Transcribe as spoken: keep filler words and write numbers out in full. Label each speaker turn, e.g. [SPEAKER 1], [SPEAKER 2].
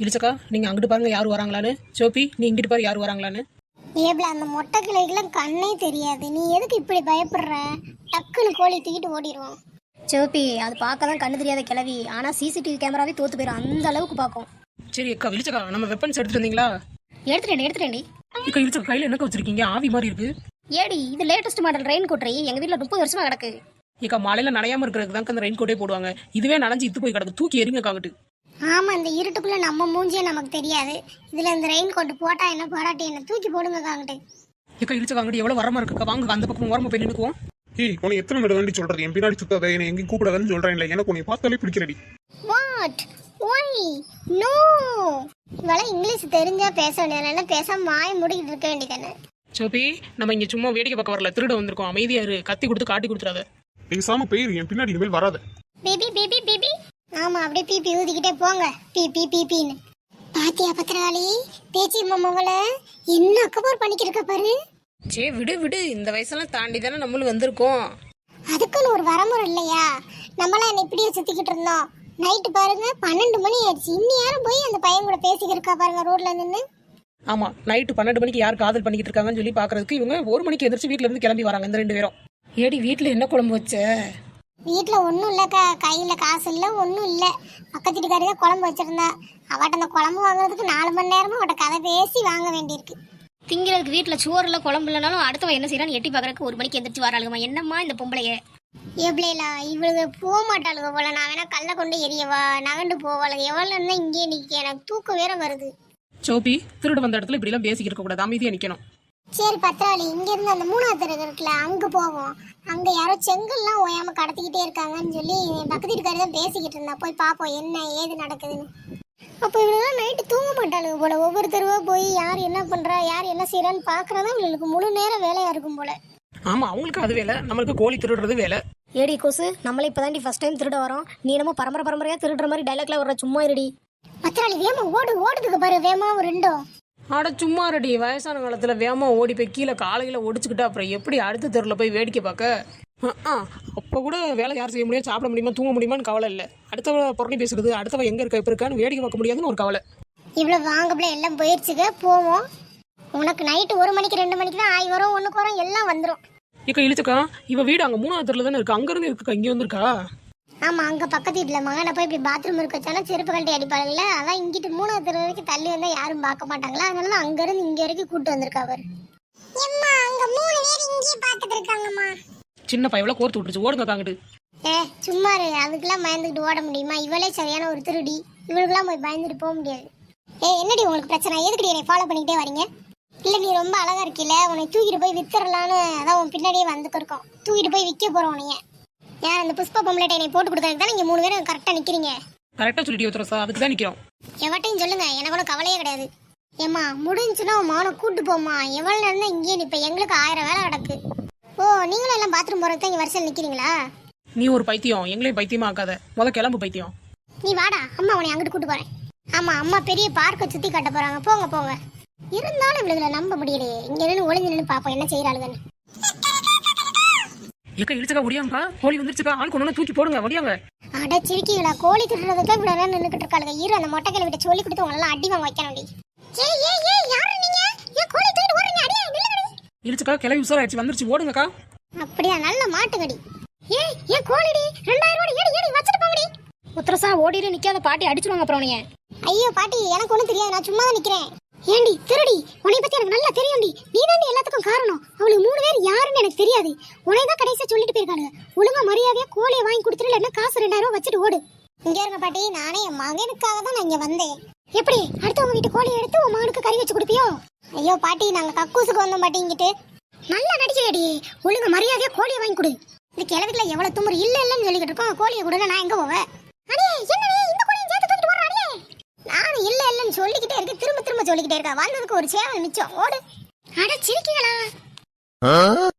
[SPEAKER 1] இழிச்சக்கா நீங்க அங்கிட்டு பாருங்க யார் வராங்களான்னு. சோப்பி நீ இங்கிட்டு பாரு யார் வராங்களான்னு.
[SPEAKER 2] ஏப்ல அந்த மொட்டை கிளைக்கெல்லாம் கண்ணே தெரியாது, நீ எதுக்கு இப்படி பயப்படுற? டக்குன்னு கோழி தூக்கிட்டு ஓடிடுவோம்.
[SPEAKER 3] சோப்பி அது பார்க்க தான் கண்ணு தெரியாத கிளவி, ஆனால் சிசிடிவி கேமராவே தோத்து போயிடும், அந்த அளவுக்கு பார்க்கும்.
[SPEAKER 1] சரி அக்கா இழிச்சக்கா நம்ம வெப்பன்ஸ் எடுத்துட்டு வந்தீங்களா?
[SPEAKER 3] எடுத்துட்டேன் எடுத்துட்டேன்டி.
[SPEAKER 1] அக்கா இழிச்சக்கா கையில என்னக்கா வச்சிருக்கீங்க? ஆவி மாதிரி இருக்கு.
[SPEAKER 3] ஏடி இது லேட்டஸ்ட் மாடல் ரெயின் கோட். எங்க வீட்டில் முப்பது வருஷமா கிடக்கு.
[SPEAKER 1] ஏக்கா மழையில நனையாம இருக்கிறதுக்கு தான் அந்த ரெயின் கோட்டே போடுவாங்க. இதுவே நனைஞ்சு இத்து போய் கிடக்கு, தூக்கி எறிங்க காங்கிட்டு.
[SPEAKER 2] ஆமா, இந்த இருட்டுக்குள்ள நம்ம மூஞ்சியே நமக்கு தெரியாது, இதுல இந்த ரெயின் கோட் போட்டா என்ன பாராட்டி என்ன தூக்கி போடுங்க காங்கிட்டு.
[SPEAKER 1] ஏக்கா இழிச்சக்கா அங்கிட்டு எவ்வளவு வரமா இருக்குக்கா, வாங்க அந்த பக்கம் ஓரமா போய் நின்னுக்குவோம்.
[SPEAKER 4] ஏய் உன்னை எத்தனை தடவை வேண்டி சொல்றது, என் பின்னாடி சுத்தாத, என்னை எங்கேயும் கூப்பிடாதன்னு சொல்றேன். இல்லை எனக்கு உன்னை பார்த்தாலே பிடிக்கிறடி.
[SPEAKER 2] வாட் ஒய் நோ, இவள இங்கிலீஷ் தெரிஞ்சா பேச வேண்டியதுனால பேசாம மாய முடிக்கிட்டு இருக்க வேண்டியதானே.
[SPEAKER 1] சோப்பி நம்ம இங்க சும்மா வேடிக்கை பார்க்க வரல, திருட வந்திருக்கோம். அமைதியா இரு, கத்தி கொடுத்து காட்டி கொடுத்துறாத.
[SPEAKER 4] பேசாம பெயர் என் பின்னாடி இனிமேல் வராத.
[SPEAKER 2] பிபி பிபி பிபி. ஆமா அப்படியே பிபி ஊதிக்கிட்டே போங்க, பிபி பிபின்னு. பாத்தியா பத்திரகாளி பேச்சி மாமாவள என்ன அக்கபோர் பண்ணிக்கிட்டு பாரு.
[SPEAKER 1] சே விடு விடு, இந்த வயசெல்லாம் தாண்டி தானே நம்மளும் வந்திருக்கோம்.
[SPEAKER 2] அதுக்குன்னு ஒரு வரமுறை இல்லையா? நம்மளாம் என்ன இப்படியே சுத்திக்கிட்டு இருந்தோம். நைட்டு பாருங்க பன்னெண்டு மணி ஆயிடுச்சு, இன்னி யாரும் போய் அந்த பையன் கூட பேசிக்கிட்டு இருக்கா பாருங்க ரோட்ல நின்று.
[SPEAKER 1] ஆமா நைட்டு பன்னெண்டு மணிக்கு யார் காதல் பண்ணிக்கிட்டு இருக்காங்கன்னு சொல்லி பாக்குறதுக்கு இவங்க ஒரு மணிக்கு எதிர்த்து வீட்டுல இருந்து கிளம்பி வராங்க இந்த ரெண்டு பேரும். ஏடி வீட்டுல என்ன குழம்பு வச்ச?
[SPEAKER 2] வீட்டுல ஒன்னும் இல்லக்கா, கையில காசு இல்ல ஒன்னும் இல்ல. பக்கத்து வீட்டுக்காரி தான் குழம்பு வச்சிருந்தா, அவட்ட அந்த குழம்பு வாங்குறதுக்கு நாலு மணி நேரமா அவட்ட கதை பேசி வாங்க வேண்டியிருக்கு.
[SPEAKER 3] திங்கிறதுக்கு வீட்டில் சோறு இல்லை குழம்பு இல்லைனாலும் அடுத்தவன் என்ன செய்யறான்னு எட்டி பார்க்கறதுக்கு ஒரு மணிக்கு எந்திரிச்சு வராளுங்கம்மா. என்னம்மா இந்த பொம்பளைய?
[SPEAKER 2] எப்படிலா இவளுக்கு போக மாட்டாளுங்க போல, நான் வேணா கல்ல கொண்டு எரியவா நகண்டு போவாளுங்க. எவ்வளவு இருந்தா இங்கே நிக்க, எனக்கு தூக்கம் வேற வருது.
[SPEAKER 1] சோப்பி திருடு வந்த இடத்துல இப்படி எல்லாம் பேசிக்கிட்டு இருக்க கூடாது, அமைதியா நிக்கணும்.
[SPEAKER 2] சரி பத்திராளி, இங்க இருந்து அந்த மூணாவது தெரு இருக்குல்ல அங்க போவோம். அங்க யாரோ செங்கல்லாம் ஓயாம கடத்திக்கிட்டே இருக்காங்கன்னு சொல்லி பக்கத்து வீட்டுக்காரி தான் பேசிக்கிட்டு இருந்தா, போய் பாப்போம் என்ன ஏது நடக்குதுன்னு. அப்போ இவங்கெல்லாம் நைட்டு தூங்க மாட்டாளுங்க போல, ஒவ்வொருத்தருவா போய் யார் என்ன பண்றா யார் என்ன செய்யறான்னு பாக்குறதா இவங்களுக்கு முழு நேரம் வேலையா இருக்கும் போல.
[SPEAKER 1] ஆமா அவங்களுக்கு அது வேலை, நம்மளுக்கு கோழி திருடுறது வேலை.
[SPEAKER 3] ஏடி கோசு நம்மளே இப்போதாண்டி ஃபர்ஸ்ட் டைம் திருட வரோம், நீ என்னமோ பரம்பரை பரம்பரையா திருடுற மாதிரி டைலாக்ல வர, சும்மா இருடி.
[SPEAKER 2] பத்திராளி வேமா ஓடு, ஓடுதுக்கு பாரு வேமா ஒரு ரெண்டும்.
[SPEAKER 1] ஆட சும்மா ரெடி, வயசான காலத்துல வேகமா ஓடி போய் கீழே காலையில ஒடிச்சுக்கிட்டா அப்புறம் எப்படி அடுத்த தெருவில் போய் வேடிக்கை பார்க்க? அப்போ கூட வேலை யார் செய்ய முடியும், சாப்பிட முடியுமா தூங்க முடியுமான்னு கவலை இல்லை. அடுத்தவ புறணி பேசுறது, அடுத்தவ எங்க இருக்க இப்ப இருக்கான்னு வேடிக்கை பார்க்க முடியாதுன்னு ஒரு கவலை.
[SPEAKER 2] இவ்வளவு வாங்கப்பல எல்லாம் போயிடுச்சுக்க, போவோம். உனக்கு நைட்டு ஒரு மணிக்கு ரெண்டு மணிக்கு தான் ஆய் வரும், ஒண்ணுக்கு வரும் எல்லாம் வந்துடும்.
[SPEAKER 1] இக்க இழுச்சுக்கா இவ வீடு அங்க மூணாவது தெருல தானே இருக்கு, அங்க இருந்து இருக்குக்கா இங்க வந்திருக்கா.
[SPEAKER 2] ஆமா அங்க பக்கத்து வீட்டுல மகனை போய் இப்படி பாத்ரூம் இருக்க வச்சாலும் செருப்பு கழட்டி அடிப்பாங்கல்ல, அதான் இங்கிட்டு மூணாவது தெரு வரைக்கும் தள்ளி வந்தா யாரும் பார்க்க மாட்டாங்களா, அதனால அங்க இருந்து இங்க வரைக்கும் கூட்டு வந்திருக்கா அவர். அங்க மூணு பேர் இங்கே பாத்துட்டு இருக்காங்கம்மா.
[SPEAKER 1] சின்ன பையவள கோர்த்து விட்டுருச்சு, ஓடுங்க காங்கிட்டு.
[SPEAKER 2] ஏ சும்மா இரு, அதுக்கெல்லாம் பயந்துக்கிட்டு ஓட முடியுமா? இவளே சரியான ஒரு திருடி, இவளுக்கெல்லாம் போய் பயந்துட்டு போக முடியாது. ஏ என்னடி உங்களுக்கு பிரச்சனை, எதுக்கடி என்னை ஃபாலோ பண்ணிக்கிட்டே வரீங்க? இல்ல நீ ரொம்ப அழகா இருக்கில்ல, உன்னை தூக்கிட்டு போய் வித்துறலான்னு அதான் உன் பின்னாடியே வந்துக்கிருக்கோம். தூக்கிட்டு போய் விற்க போறோம் உனைய. யார் அந்த புஷ்ப பொம்பளைட்டை என்னை போட்டு கொடுக்கறதுக்கு தான் நீங்க மூணு பேரும் கரெக்டா நிக்கிறீங்க.
[SPEAKER 1] கரெக்டா சொல்லிட்டு ஒருத்தர அதுக்கு தான் நிக்கிறோம்.
[SPEAKER 2] எவட்டையும் சொல்லுங்க, எனக்கு ஒன்றும் கவலையே கிடையாது. ஏம்மா முடிஞ்சுன்னா உன் மகனை கூட்டு போமா, எவ்வளவு நேரம் தான் இங்கேயே நிப்ப, எங்களுக்கு ஆயிரம் வேலை கிடக்கு. ஓ நீங்களும் எல்லாம் பாத்ரூம் போறதுக்கு தான் இங்க வரிசையில் நிக்கிறீங்களா?
[SPEAKER 1] நீ ஒரு பைத்தியம், எங்களையும் பைத்தியமா ஆக்காத, முத கிளம்பு பைத்தியம்.
[SPEAKER 2] நீ வாடா, அம்மா உன்னை அங்கிட்டு கூட்டு போறேன். ஆமா அம்மா பெரிய பார்க்கை சுத்தி காட்ட போறாங்க, போங்க போங்க. இருந்தாலும் இவளுகளை நம்ப முடியலையே, இங்க நின்று ஒளிஞ்சு நின்று பாப்போம் என்ன செய்யறாளுங்கன்னு.
[SPEAKER 1] ஏக்கா இழுச்சுக்கா ஒடியாங்கக்கா, கோழி வந்துருச்சுக்கா, ஆள் கொண்டு தூக்கி போடுங்க ஒடியாங்க.
[SPEAKER 2] அட சிரிக்கீங்களா, கோழி திருடுறதுக்கு இவ்வளவு நேரம் நின்றுட்டு இருக்காளுங்க. இரு அந்த மொட்டை கிளவிட்ட சொல்லி கொடுத்து உங்களெல்லாம் அடி வாங்க வைக்கணும். ஏய் ஏய் ஏய் யாரு நீங்க? ஏன் கோழி தூக்கிட்டு ஓடுறீங்க? அடியா நில்லுங்கடி.
[SPEAKER 1] இழுச்சுக்கா கிளவி உசாராயிடுச்சு, வந்துருச்சு ஓடுங்கக்கா.
[SPEAKER 2] அப்படியா, நல்ல மாட்டுக்கடி. ஏய் ஏன் கோழிடி ரெண்டாயிரம் ரூபாய் ஏடி ஏடி வச்சிட்டு போங்கடி.
[SPEAKER 3] உத்தரசா ஓடிட்டு நிக்காத, பாட்டி அடிச்சுடுவாங்க அப்புறம் உனைய.
[SPEAKER 2] ஐயோ பாட்டி எனக்கு ஒன்றும் தெரியாது, நான் சும்மா தான் நிக்கிறேன். ஏண்டி திருடி, உன்னை பத்தி எனக்கு நல்லா தெரியும்டி, நீ தான் எல்லாத்துக்கும் காரணம். அவளுக்கு மூணு பேர் யாருன்னு எனக்கு தெரியாது, உன்னை தான் கடைசியா சொல்லிட்டு போயிருக்காங்க. ஒழுங்கா மரியாதையா கோழியை வாங்கி கொடுத்துட்டு இல்லைன்னா காசு ரெண்டாயிரம் ரூபாய் வச்சுட்டு ஓடு. இங்க இருங்க பாட்டி, நானே என் மகனுக்காக தான் நான் இங்க வந்தேன். எப்படி அடுத்தவங்க வீட்டு கோழியை எடுத்து உன் மகனுக்கு கறி வச்சு கொடுப்பியோ? ஐயோ பாட்டி நாங்க கக்கூசுக்கு வந்தோம் பாட்டி, இங்கிட்டு நல்லா நடிக்கடி. ஒழுங்கா மரியாதையா கோழியை வாங்கி கொடு. இந்த கிழவிக்குல எவ்வளவு துமுறு, இல்ல இல்லன்னு சொல்லிக்கிட்டு இருக்கோம். கோழியை கூட நான் எங்க போவேன்? அடே என்னடி இந்த கோழியை சேர்த்து தூக்கிட்டு போறா? அடே நானும் இல்ல இல்லன்னு சொல்லிக்கிட்டே இருக்கேன், திரும்ப திரும்ப சொல்லிக்கிட்டே இருக்கா. வந்ததுக்கு ஒரு சேவல் மிச்சம், ஓடு. அட சிரிக்கீங்களா?